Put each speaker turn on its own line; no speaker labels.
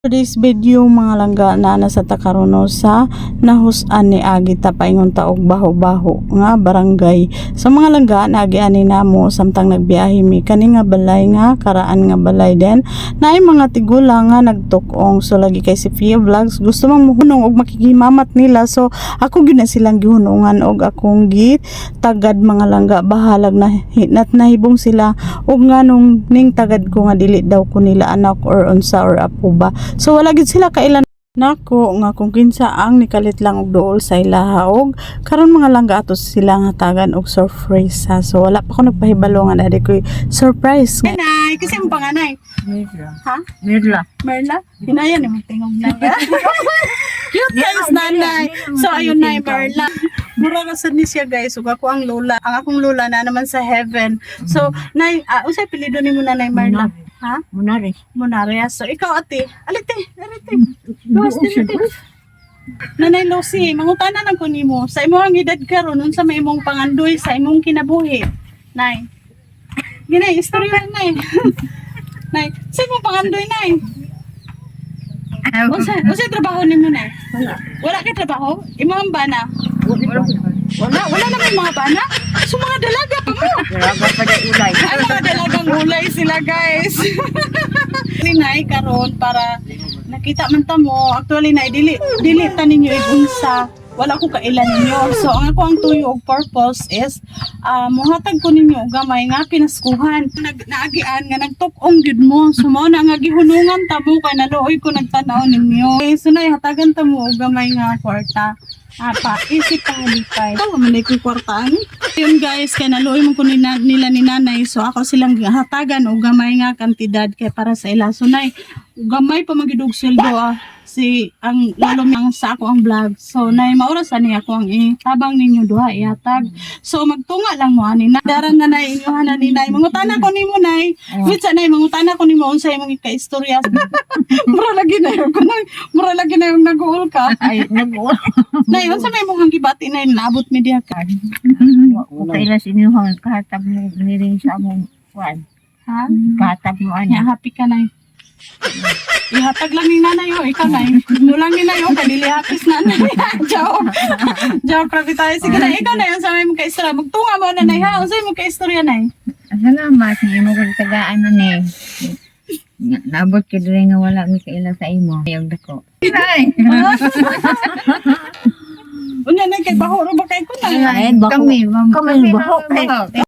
Today's video mga langga na nasa takarono sa nahusan ni Agi paingon taog baho-baho nga barangay. Sa mga langga naagiani namo samtang nagbiyahe mi kani nga balay nga karaan nga balay den naay mga tigula nga nagtukong. So lagi kay si Fia Vlogs gusto mang muhunong og makikimamat nila, so ako gyud na silang gihunungan og akong tagad mga langga bahalag na hinat nahibong sila og nganong ning tagad ko nga dili daw ko nila anak or unsa or apo ba. So wala gid sila kailan nako nga kung kinsa ang nikalit lang og duol sa ilaha og karon mga langga ato sila nga tagan og surprise ha. So wala pa ko nagpahibalo nga dali ko surprise. Nanay, kasi ang panganay.
Merla.
Ha?
Merla.
Merla? Hinaya ni mo tingog na. Cute guys, nanay. So ayun na Merla. Mura ka sad ni siya guys, ug ako ang lola. Ang akong lola na naman sa heaven. So nay, usay pilido ni mo nanay Merla? Ha?
Munari.
Monaria. So ikaw ate, alite. Gawas dito. Nanay Lucy, mangutana lang ko nimo. Sa imong edad karon unsa may imong pangandoy sa imong kinabuhi? Nay. Ginay istorya nay. Nay, sa imong pangandoy nay. Unsa trabaho nimo nay? Wala ka trabaho? Imong bana? Wala na may mga bana? So mga dalaga pa mo.
Dalaga pa na ulay.
Ay, mga dalagang ulay sila guys. Nay karon para nakita man ta mo, actually nay dili ta ninyo igunsa. Wala ko kailan ninyo. So ang ako ang tuyo og purpose is mohatag ko ninyo og gamay nga pinaskuhan. Naagian nga nagtuk-ong gyud mo. So mao na nga gihunungan ta mo kay naluoy ko nagtan-aw ninyo. Okay, so nay hatagan ta mo og gamay nga kwarta. Isip pa halipay. Ito, manay ko kwartaan. Yun guys, kaya naluoy mo ko nila ni nanay. So ako silang hatagan o gamay nga kantidad kaya para sa ila. So nay, gamay pa magidog sweldo si ang lalom yang sa ako ang vlog. So nay, maurasan niya ako ang tabang ninyo duha ihatag. So magtunga lang mo ani. Daran na nay, inyuhan na ni nay. Mangutana ko nimo nay. Mitsa nay, mangutana ko nimo unsay imong ika-istorya. Mura lagi na yung nag-uol ka.
Ay, nag-uol.
Nay, unsa may mong gibati na naabot mi diha ka?
Okay lang sinuhang kahatag mo niring sa among kuan.
Ha?
Kahatag mo
Nya
ana.
happy ka nay. Ihatag lang ni nanay yo, ikaw nay. Mulang ni nay yo kanili hapis nanay. Joke. Joke grabe tayo. Sige na, ikaw nay unsa may mong ka-istorya? Magtunga mo na nay ha. Unsa imong ka-istorya nay?
Salamat ni mo kag tagaan ani. Nabot ka diri nga wala mi kaila sa imo. Ayog dako. Ay.
Unya nay kay bahoro ba kay ko nay?
Kami baho.